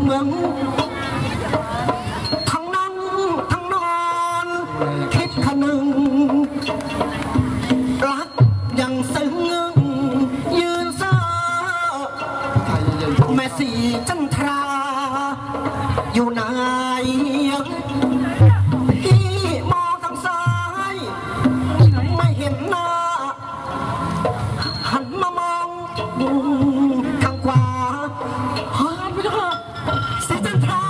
เหมือนทั้งนั่งทั้งนอนคิดขนึงรักยังซึ้งยืนเศร้าแม่สีจันทราอยู่ไหนพี่มองทางซ้ายไม่เห็นหน้าหันมามองทางขวาหันไปค่ะสีจันทรา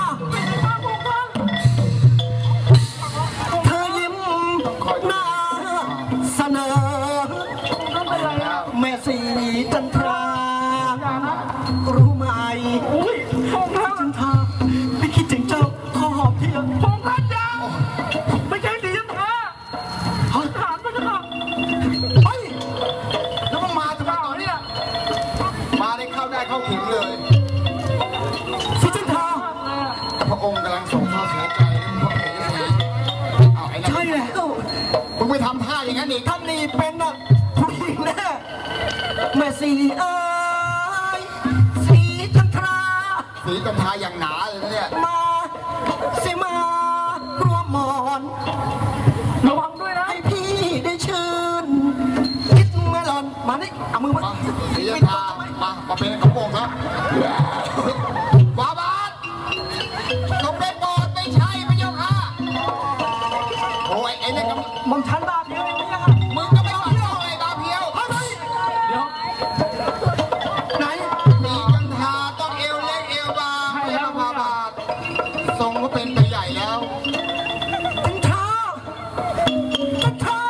เธอยิ้มหน้าเสนอแม่สีจันทรารู้ไหมจันทราไม่คิดถึงเจ้าขอหอมทีพงพันยาไม่ใช่ดีจันทราถามไปเถอะเฮ้ยแล้วมึงมาทำไมต่อเนี่ยมาได้เข้าได้เข้าถึงเลยสิจันทราพระองค์กำลังส่งข้อเสียใจพระเอกสีเอาไอ้นั่นใช่แล้วมึงไปทำท่าอย่างนั้นอีกท่านนี่เป็นผู้หญิงแน่แม่สีเอ้ยสีจันทราสีจันทราอย่างหนาเลยนะเนี่ยมาสิมารวมหมอนระวังด้วยนะให้พี่ได้ชื่นคิดเมื่อหล่อนมานี่เอามือมาสีจันทรามาเป็นกระโปรงครับบาบาทต้องเป็นบอดไม่ใช่พระเจ้าค่ะโอ้ยไอ้เนี่ยมองฉันบาเพียวเองยังมึงก็ไม่ฟังเอาเลยบาเพียวเดี๋ยวไหนสีจันทราต้องเอวเล็กเอวบางให้แล้วบาบาททรงก็เป็นไปใหญ่แล้วจันทราจันทรา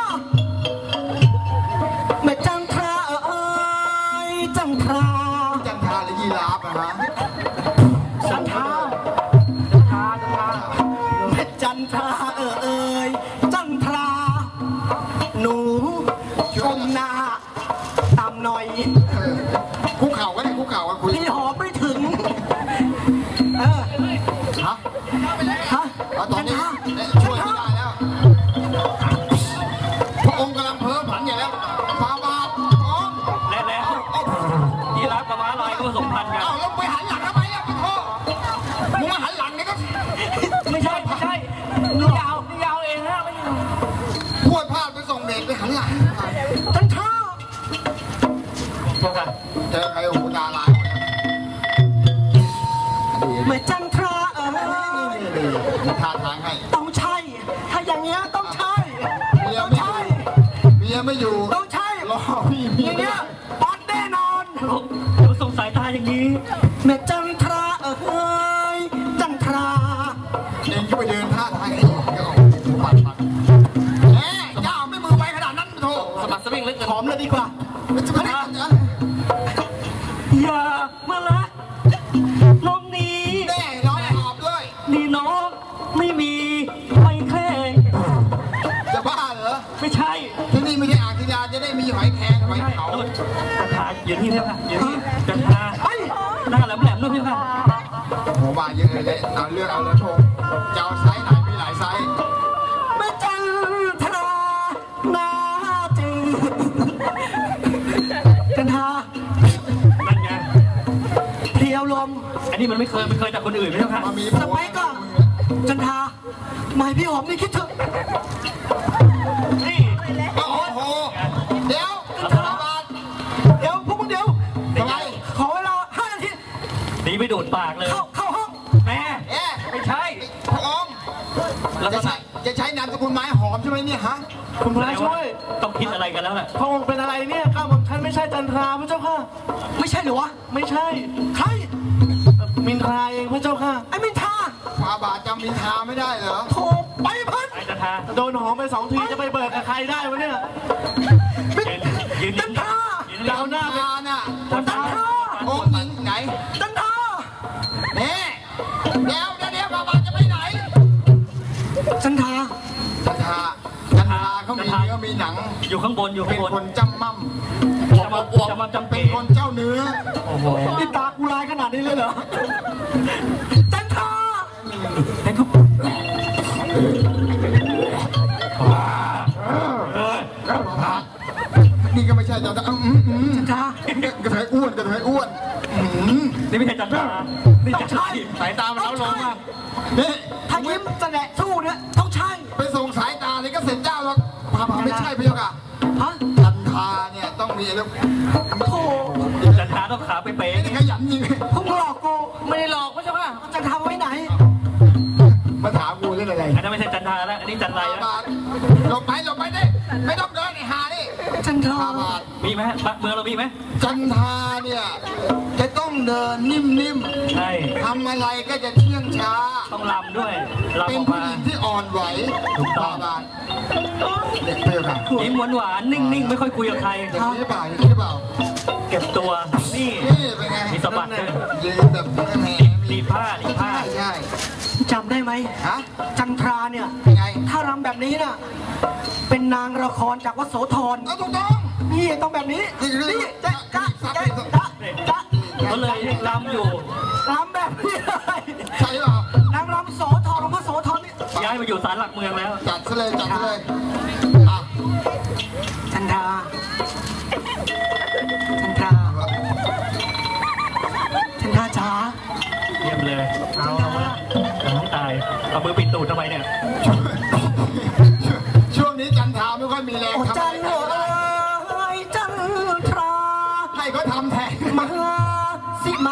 แม่จันทราเอ้ยจันทราจันทราหรือยีราฟนะฮะจันทราแม่จันทราเอ้ยจันทราหนูชมหน้าตามหน่อยคุกเข่าก็ได้คุกเข่ากันคุยพี่หอมไม่ถึงฮะตอนนี้ช่วยไม่ได้แล้วพระองค์กำลังเพ้อผันอย่างแล้วฟาบาทองแล้วยีราฟกับม้าลายก็ผสมพันธุ์กันเอาแล้วไปหันหลังทำไมอ่ะพี่พ่อมึงมาหันหลังนี่ก็ไม่ใช่นี่ยาวเองฮะไม่พูดพลาดไปส่งเด็กไปหันหลังจันทราเจอใครหูตาลายแม่จันทราท่าทางให้ต้องใช่ถ้าอย่างเงี้ยต้องใช่ต้องใช่เมียไม่อยู่ต้องใช่รอพี่อย่างเงี้ยบอลแน่นอนเดี๋ยวส่งสายตาอย่างนี้แม่จันทราเอ้ยจันทราเองก็ไปเดินท่าทางให้ปัดเจ้าไม่มือไปขนาดนั้นโธ่สมัครสวิงเล็กหอมเลยดีกว่าอย่ามาละน้องนี้แน่น้องหอบด้วยนี่น้องไม่มีหอยแครงจะบ้าเหรอไม่ใช่ที่นี่ไม่ใช่อ่างทิยาจะได้มีหอยแครงหอยเขาจันทราอย่างนี้เท่าค่ะอย่างนี้จันทราหน้าแหลมๆด้วยพี่ค่ะโหมาเยอะเลยเอาเลือกเอาแล้วโชว์จะเอาไซส์ไหนมีหลายไซส์แม่จันทราหน้าจืดจันทรานั่นไงเพียวลมอันนี้มันไม่เคยจากคนอื่นไม่ใช่ค่ะสมัยก่อนจันทราหมายพี่หอมนี่คิดเถอะนี่โอ้โหเดี๋ยวพวกมึงเดี๋ยวทำไมขอเวลา5 นาทีดีไม่โดดปากเลยเข้าห้องแม่ไม่ใช่พระองค์จะใช้นามสกุลไม้หอมใช่ไหมเนี่ยฮะคุณพระช่วยต้องคิดอะไรกันแล้วแหละพระองค์เป็นอะไรเนี่ยข้าบอกท่านไม่ใช่จันทราพระเจ้าค่ะไม่ใช่หรือวะไม่ใช่ใครมินทราเองพระเจ้าค่ะไอ้มินทราฟาบาทจำมินทราไม่ได้เหรอโธ่ไปพันโดนหอมไป2 ทีจะไปเบิกกับใครได้วะเนี่ยจันทราดาวหน้าน่ะจันทราองค์หญิงไหนจันทราเนี่ยเดี๋ยวฟาบาทจะไปไหนจันทราเขามีหนังอยู่ข้างบนเป็นคนจำมั่มเป็นคนเจ้าเนื้อโอ้โหนี่ตากูลายขนาดนี้เลยเหรอจันทรานี่ก็ไม่ใช่จันทรากระเทยอ้วนนี่ไม่ใช่จันทรานี่จันทราสายตามันเล้าลงมากนี่ถ้ายิ้มแสดงสู้เนี่ยต้องใช่ไปส่งสายตาเลยก็เสร็จเจ้าแล้วพาไม่ใช่พี่ยกอะฮะจันทาเนี่ยต้องมีอะไรโธ่จันทราต้องขาไปเป๊ะนี่ขยันยิงพวกมึงหลอกกูไม่ได้หลอกพระเจ้าค่ะจะทำไว้ไหนมาถามกูเรื่องอะไรอันนั้นไม่ใช่จันทราแล้วอันนี้จันไรแล้วบาทหลบไปดิไม่ต้องเดินไอ้หานี่จันทราบาทมีไหมเมืองเรามีไหมจันทาเนี่ยจะต้องเดินนิ่มใช่ๆทำอะไรก็จะเชื่องช้าต้องลำด้วยลำเป็อน อกผู้มาหญิงที่อ่อนไหวถูกต้องบาทเนี่ยเปรี้ยวกันยิ้มหวานๆนิ่งๆไม่ค่อยคุยกับใครอย่างนี้หรือเปล่าอย่างนี้หรือเปล่าเก็บตัวนี่นี่เป็นไงมีสะบัดด้วยยืนแบบแหมรีดผ้ารีดผ้าใช่จำได้ไหมฮะจันทราเนี่ยเป็นไงถ้ารำแบบนี้น่ะเป็นนางละครจากวัดโสธรเอาถูกต้องนี่ต้องแบบนี้นี่นี่จ๊ะจ๊ะจ๊ะจ๊ะก็เลยลำอยู่รำแบบนี้เลยใช่เปล่านางรำโสธรหลวงพ่อโสธรนี่ย้ายมาอยู่ศาลหลักเมืองแล้วจัดซะเลยอ่ะจันทราจันทราจันทราจ๋าเยี่ยมเลยเอาให้ตายเอามือปิดตูดทำไมเนี่ยช่วงนี้จันทราไม่ค่อยมีแรงโอ้ทำจัอะนไรเอ๋ยจันทราให้เขาทำแทนมาสิมา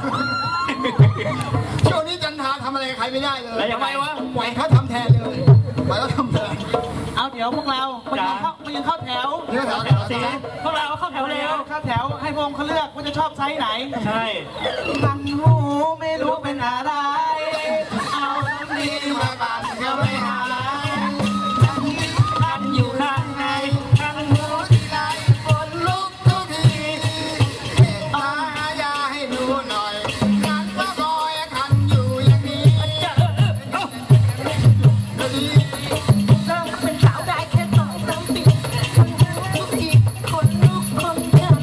ช่วงนี้จันทราทำอะไรกับใครไม่ได้เลยแล้วยังไงวะปล่อยเขาทำแทนเลยปล่อยเขาทำแทนเอาเดี๋ยวพวกเรามายืนเข้าแถวเนื้อแถวแถวสีพวกเราเข้าแถวเร็วเข้าแถวให้พวกเขาเลือกว่าจะชอบไซส์ไหนใช่มันหูไม่รู้เป็นอะไร เอาตรงนี้มาบังก็ไม่หายท่านอยู่ข้างในท่านหัวที่ไรฝนลุกทุกทีเมตตาอยาให้ดูหน่อยกันก็คอยคันอยู่อย่างนี้จะก็ดีเริ่มเป็นสาวได้แค่สองสามปีทุกทีคนลุกคนกัน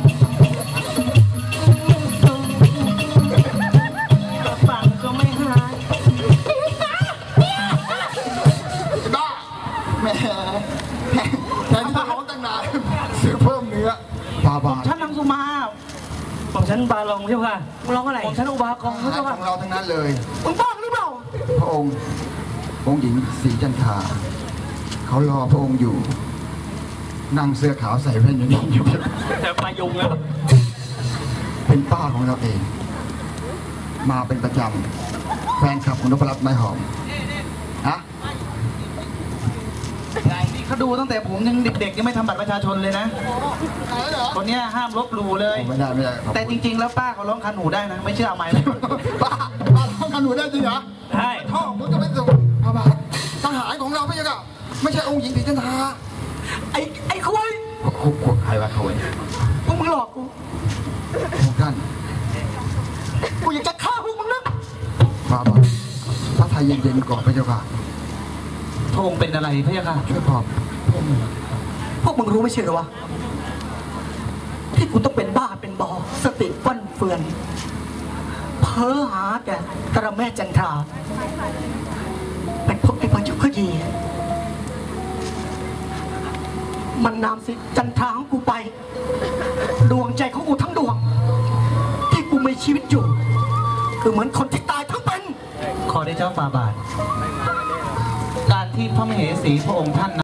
ฟังก็ไม่หายบ้าแหมแทนที่จะร้องตั้งนานซื้อเพิ่มเนื้อบาบาท่านนางสุมาของฉันบาลงใช่ไหมมึงร้องอะไรผมท่านอุบากองอาพระหารเจ้าของเราทั้งนั้นเลยมึงบ้าหรือเปล่าพระองค์หญิงศรีจันทราเขารอพระองค์อยู่ นั่งเสื้อขาวใส่แว่นอยู่นี่อยู่แต่ปลายุงแล้วเป็นป้าของเราเอง มาเป็นประจำแฟนคลับของนพรัตน์ไม้หอมฮะนี่เขาดูตั้งแต่ผมยังเด็กๆยังไม่ทำบัตรประชาชนเลยนะ คนเนี้ยห้ามลบหลู่เลยไม่ได้ไม่ได้แต่จริงๆ แล้วป้าเขาร้องคันหูได้นะ ไม่เชื่อเอาไม้เลยป้าท้องกันหนูได้จริงเหรอใช่ท่องมึงจะไปส่งพระบาททหารของเราไม่ใช่ก็ไม่ใช่องค์หญิงศรีจันทราไอ้คุยใครวะเขาพวกมึงหลอกกูพวกท่านกูอยากจะฆ่าพวกมึงนะพระบาทพระไทยเย็นๆก่อนพระเจ้าค่ะพระองค์เป็นอะไรพระเจ้าค่ะช่วยปลอบพวกมึงรู้ไม่ใช่เหรอวะที่กูต้องเป็นบ้าเป็นบอสติฟั่นเฟือนเพ้อหาแต่ตระแม่จันทราไปพบไอ้พระยุคยีมันนำสิจันทราของกูไป ดวงใจของกูทั้งดวง ที่กูมีชีวิตอยู่คือเหมือนคนที่ตายทั้งเป็นขอได้เจ้าฝ่าบาท การที่พระมเหสีพระองค์ท่าน